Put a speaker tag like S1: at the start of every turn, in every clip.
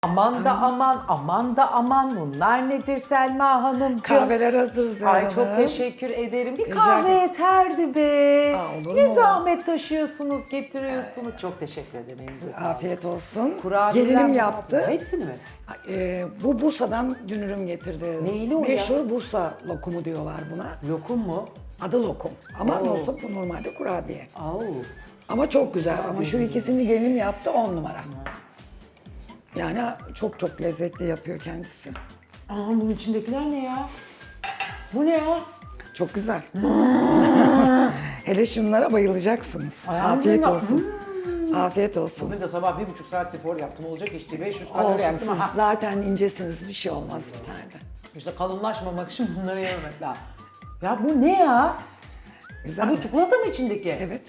S1: Aman da aman, aman da aman. Bunlar nedir Selma Hanımcığım?
S2: Kahveler hazır Zehra
S1: Ay çok
S2: Hanım.
S1: teşekkür ederim. Bir
S2: Rica
S1: kahve
S2: ederim.
S1: yeterdi be.
S2: Olur
S1: Ne
S2: mu?
S1: zahmet taşıyorsunuz, getiriyorsunuz. Çok teşekkür ederim. Elinize sağlık.
S2: Afiyet olsun.
S1: Kurabiyeler
S2: Gelinim
S1: mi?
S2: yaptı.
S1: Hepsini mi?
S2: Bu Bursa'dan dünürüm getirdi.
S1: Neyli o ya?
S2: Meşhur Bursa lokumu diyorlar buna.
S1: Lokum mu?
S2: Adı lokum. Ama
S1: Oo.
S2: nasıl bu normalde kurabiye.
S1: Oo.
S2: Ama çok güzel. Ama şu ikisini gelinim yaptı 10 numara. Yani çok çok lezzetli yapıyor kendisi.
S1: Aa, bunun içindekiler ne ya? Bu ne ya?
S2: Çok güzel. Hele şunlara bayılacaksınız.
S1: Ay,
S2: Afiyet
S1: Allah.
S2: olsun. Afiyet olsun.
S1: Bugün de sabah 1,5 saat spor yaptım. Olacak işte 500 kalori
S2: Olsun
S1: yaptım.
S2: siz
S1: Aha.
S2: zaten incesiniz bir şey olmaz bir tane de.
S1: İşte kalınlaşmamak için bunları yememek lazım. Ya bu ne ya?
S2: Güzel.
S1: Ha, bu çikolata mı içindeki?
S2: Evet.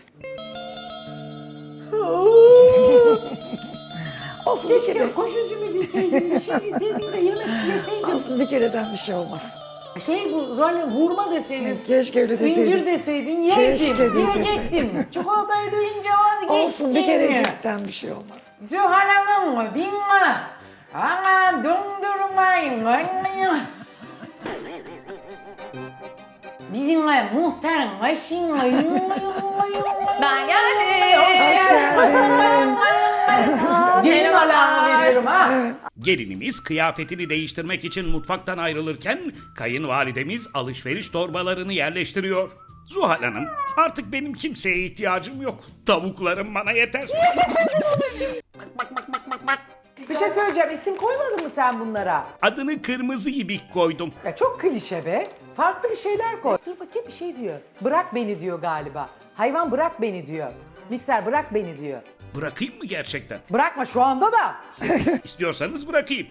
S2: Olsun bir kere.
S1: Keşke kuş üzümü deseydim, bir şey deseydim de yemek yeseydim.
S2: Olsun bir kereden bir şey olmaz.
S1: Şey bu zaten hurma deseydin,
S2: Keşke öyle deseydin.
S1: incir deseydin yerdim,
S2: Keşke de
S1: yiyecektim. Çikolatayı duyunca vazgeçtim.
S2: Olsun bir kerecikten bir şey olmaz.
S1: Zuhal Hanım, bilme. Ama dondurmayın, anlayın. Bizimle muhterem aşınla
S3: Ben geldim.
S1: Gelin alanı veriyorum ha.
S4: Gelinimiz kıyafetini değiştirmek için mutfaktan ayrılırken kayınvalidemiz alışveriş torbalarını yerleştiriyor. Zuhal Hanım, artık benim kimseye ihtiyacım yok. Tavuklarım bana yeter.
S1: Bir şey söyleyeceğim, isim koymadın mı sen bunlara?
S4: Adını kırmızı ibik koydum.
S1: Ya çok klişe be. Farklı bir şeyler koy. Dur bakayım bir şey diyor. Bırak beni diyor galiba. Hayvan bırak beni diyor. Mikser bırak beni diyor.
S4: Bırakayım mı gerçekten?
S1: Bırakma şu anda da.
S4: İstiyorsanız bırakayım.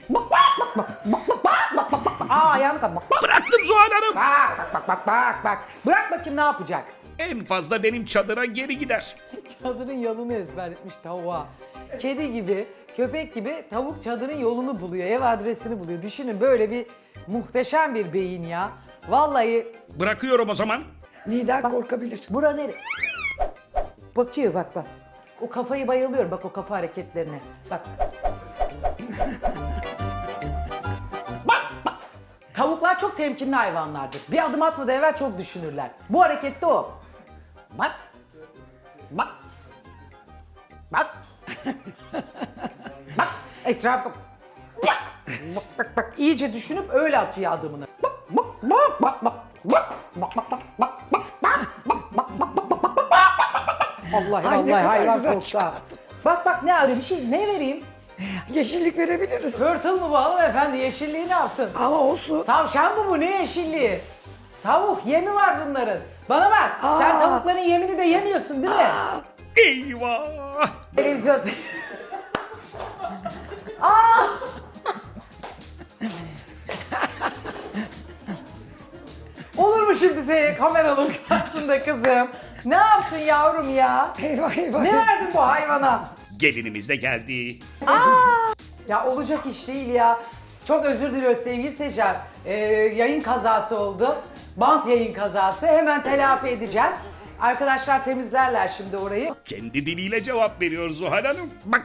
S1: Aa ayağını kalk. Bak
S4: Bıraktım Zuhal Hanım.
S1: bak. Bırak bakayım ne yapacak?
S4: En fazla benim çadıra geri gider.
S1: Çadırın yolunu ezberletmiş tavuğa. Kedi gibi, köpek gibi tavuk çadırın yolunu buluyor. Ev adresini buluyor. Düşünün böyle bir muhteşem bir beyin ya. Vallahi
S4: Bırakıyorum o zaman.
S2: Lider korkabilir.
S1: bura nere? Bakıyor bak. O kafayı bayılıyorum bak o kafa hareketlerine. Bak. Bak. Tavuklar çok temkinli hayvanlardır. Bir adım atmadan evvel çok düşünürler. Bu harekette o. Bak. Bak. Etrafı. Bak. İyice düşünüp öyle atıyor adımını. Allah
S2: Ay, ne
S1: Allah
S2: kadar
S1: hayvan
S2: güzel
S1: korktu. ha. Bak ne arıyor bir şey ne vereyim?
S2: Yeşillik verebiliriz.
S1: Tırtıl mı bu hanımefendi yeşilliği ne yapsın?
S2: Ama olsun.
S1: Tavşan mı bu ne yeşilliği? Tavuk yemi var bunların. Bana bak sen tavukların yemini de yemiyorsun değil mi?
S4: Eyvah!
S1: Televizyon. Olur mu şimdi seni kameraların karşısında kızım? Ne yaptın yavrum ya?
S2: Eyvah eyvah.
S1: Ne verdin bu hayvana?
S4: Gelinimiz de geldi.
S1: Ya olacak iş değil ya. Çok özür diliyoruz sevgili seyirciler. Yayın kazası oldu. Bant yayın kazası. Hemen telafi edeceğiz. Arkadaşlar temizlerler şimdi orayı.
S4: Kendi diliyle cevap veriyor Zuhal Hanım. Bak.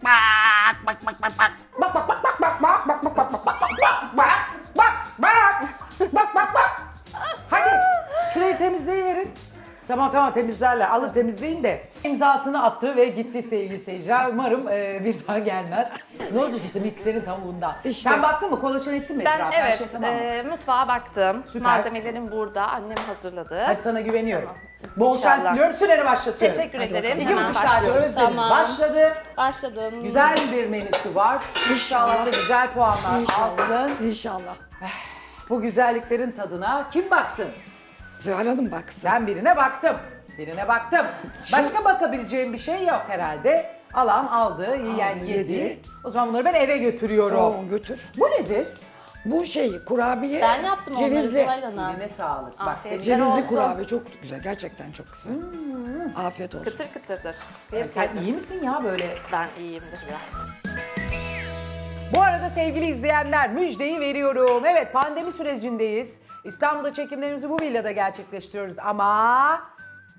S1: Bak. Hadi şurayı temizleyiverin. Tamam temizlerler. Alın temizleyin de. İmzasını attı ve gitti sevgili seyirciler. Umarım bir daha gelmez. Ne olacak işte mikserin tavuğundan.
S2: İşte.
S1: Sen baktın mı? Kolaçan ettin mi
S3: Ben
S1: etrafa? Her
S3: evet
S1: şey tamam mı?
S3: mutfağa baktım.
S1: Süper.
S3: Malzemelerim burada. Annem hazırladı.
S1: Hadi sana güveniyorum.
S3: Tamam.
S1: Bol şans
S3: İnşallah.
S1: diliyorum. Süreni başlatıyorum.
S3: Teşekkür ederim.
S1: 2,5 saat
S3: başlıyorum.
S1: özledim. Başladı.
S3: Başladım.
S1: Güzel bir menüsü var. İnşallah da güzel puanlar alsın.
S2: İnşallah.
S1: Bu güzelliklerin tadına kim baksın?
S2: Zuhal Hanım baksın.
S1: Ben birine baktım. Başka bakabileceğim bir şey yok herhalde. Alan aldı, yiyen yedi.
S2: yedi.
S1: O zaman bunları ben eve götürüyorum.
S2: Oo, götür.
S1: Bu nedir?
S2: Bu şey kurabiye.
S3: Ben yaptım onları
S2: cevizli.
S3: Zuhal Hanım.
S1: Eline sağlık. Bak
S3: Afiyet
S1: senin
S3: olsun.
S2: Cevizli kurabiye çok güzel. Gerçekten çok güzel. Afiyet olsun.
S3: Kıtır kıtırdır.
S1: sen iyi misin ya böyle?
S3: Ben iyiyimdir biraz.
S1: Bu arada sevgili izleyenler müjdeyi veriyorum. Evet pandemi sürecindeyiz. İstanbul'da çekimlerimizi bu villada gerçekleştiriyoruz ama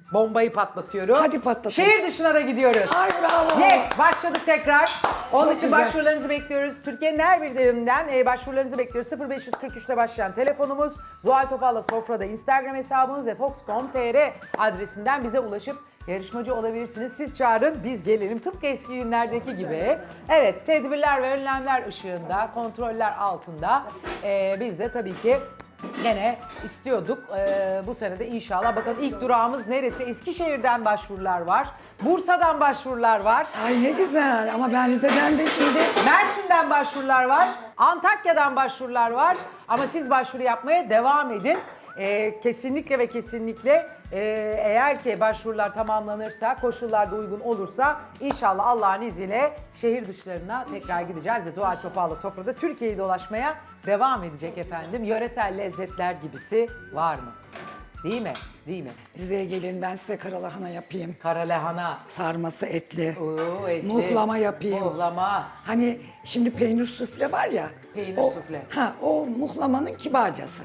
S1: Bombayı patlatıyorum.
S2: Hadi patlatalım.
S1: Şehir dışına da gidiyoruz.
S2: Ay bravo.
S1: Yes, başladık tekrar. Onun
S2: Çok
S1: için
S2: güzel.
S1: başvurularınızı bekliyoruz. Türkiye'nin her bir yerinden başvurularınızı bekliyoruz. 0543'te başlayan telefonumuz, Zuhal Topal'la Sofra'da Instagram hesabımız ve Fox.com.tr adresinden bize ulaşıp yarışmacı olabilirsiniz. Siz çağırın, biz gelelim. Tıpkı eski günlerdeki gibi. Evet, tedbirler ve önlemler ışığında, kontroller altında. Biz de tabii ki gene istiyorduk. Bu sene de inşallah. Bakın ilk durağımız neresi? Eskişehir'den başvurular var. Bursa'dan başvurular var.
S2: Ay ne güzel ama ben Rize'den de şimdi
S1: Mersin'den başvurular var. Antakya'dan başvurular var. Ama siz başvuru yapmaya devam edin. Kesinlikle ve kesinlikle eğer ki başvurular tamamlanırsa, koşullar da uygun olursa inşallah Allah'ın izniyle şehir dışlarına tekrar gideceğiz. Zuhal Topal'la Sofra'da Türkiye'yi dolaşmaya devam edecek efendim. Yöresel lezzetler gibisi var mı? Değil mi? Değil mi?
S2: Rize'ye gelin ben size karalahana yapayım.
S1: Kara lahana,
S2: Sarması etli.
S1: oo, etli,
S2: Muhlama yapayım.
S1: muhlama,
S2: Hani şimdi peynir sufle var ya.
S1: Peynir sufle.
S2: O muhlamanın kibarcası.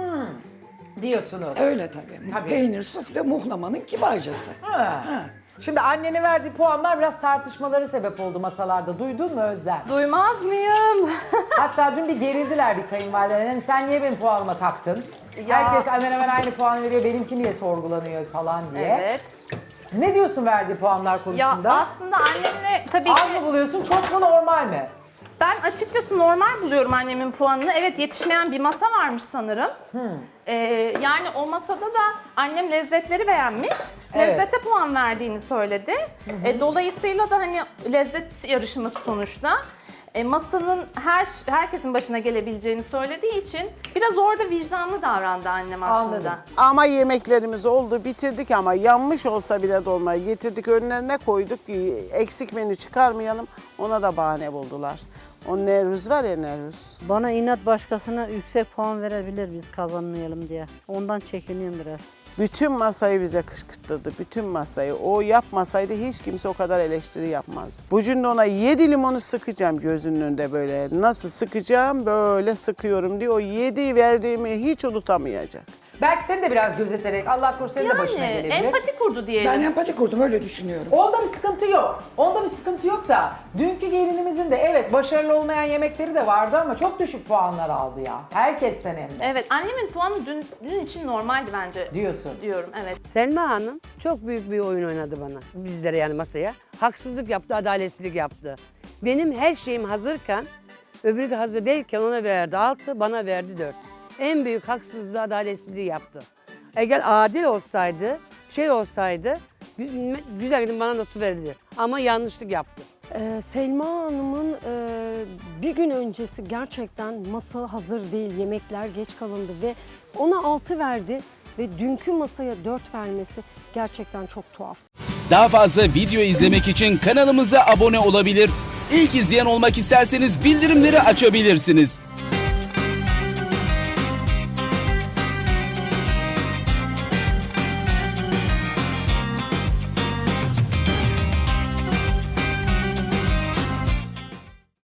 S1: diyorsunuz.
S2: Öyle tabii.
S1: Tabii.
S2: Peynir sufle muhlamanın kibarcası.
S1: Ha.
S2: Ha.
S1: Şimdi annenin verdiği puanlar biraz tartışmaları sebep oldu masalarda. Duydun mu Özlem?
S3: Duymaz mıyım?
S1: Hatta dün bir gerildiler bir kayınvalideler. Yani sen niye benim puanıma taktın?
S3: Ya.
S1: Herkes hemen hemen aynı puanı veriyor. Benimki niye sorgulanıyor falan diye.
S3: Evet.
S1: Ne diyorsun verdiği puanlar
S3: Ya
S1: konusunda?
S3: aslında annemle tabii
S1: Az
S3: ki
S1: mı buluyorsun? Çok mu normal mi?
S3: ben açıkçası normal buluyorum annemin puanını. Evet, yetişmeyen bir masa varmış sanırım. Yani o masada da annem lezzetleri beğenmiş.
S1: Evet.
S3: Lezzete puan verdiğini söyledi. Dolayısıyla da hani lezzet yarışması sonuçta. Masanın herkesin başına gelebileceğini söylediği için biraz orada vicdanlı davrandı annem aslında.
S1: Anladım.
S5: Ama yemeklerimiz oldu, bitirdik ama yanmış olsa bile dolmayı getirdik önlerine koyduk. Eksik menü çıkarmayalım, ona da bahane buldular. O Nevruz var ya, Nevruz.
S6: Bana inat başkasına yüksek puan verebilir biz kazanmayalım diye. Ondan çekiniyorum biraz.
S5: Bütün masayı bize kışkırttırdı, bütün masayı. O yapmasaydı hiç kimse o kadar eleştiri yapmazdı. Bugün de ona 7 limonu sıkacağım gözünün önünde böyle. Nasıl sıkacağım? Böyle sıkıyorum diye o 7 verdiğimi hiç unutamayacak.
S1: Belki seni de biraz gözeterek Allah korusun senin de başına
S3: Yani
S1: gelebilir.
S3: empati kurdu diyelim.
S2: Ben empati kurdum öyle düşünüyorum.
S1: Onda bir sıkıntı yok. Onda bir sıkıntı yok da dünkü gelinimizin de evet başarılı olmayan yemekleri de vardı ama çok düşük puanlar aldı ya. Herkesten hem de.
S3: Evet, annemin puanı dün için normaldi bence.
S1: Diyorsun.
S3: Diyorum, evet.
S7: Selma Hanım çok büyük bir oyun oynadı bana. Bizlere yani masaya. Haksızlık yaptı, adaletsizlik yaptı. Benim her şeyim hazırken, öbürü hazır değilken ona verdi 6, bana verdi 4. En büyük haksızlığı, adaletsizliği yaptı. Eğer adil olsaydı, olsaydı, güzel bana notu verirdi. Ama yanlışlık yaptı.
S8: Selma Hanım'ın bir gün öncesi gerçekten masa hazır değil, yemekler geç kalındı ve ona 6 verdi ve dünkü masaya 4 vermesi gerçekten çok tuhaf.
S9: Daha fazla video izlemek için kanalımıza abone olabilir. İlk izleyen olmak isterseniz bildirimleri açabilirsiniz.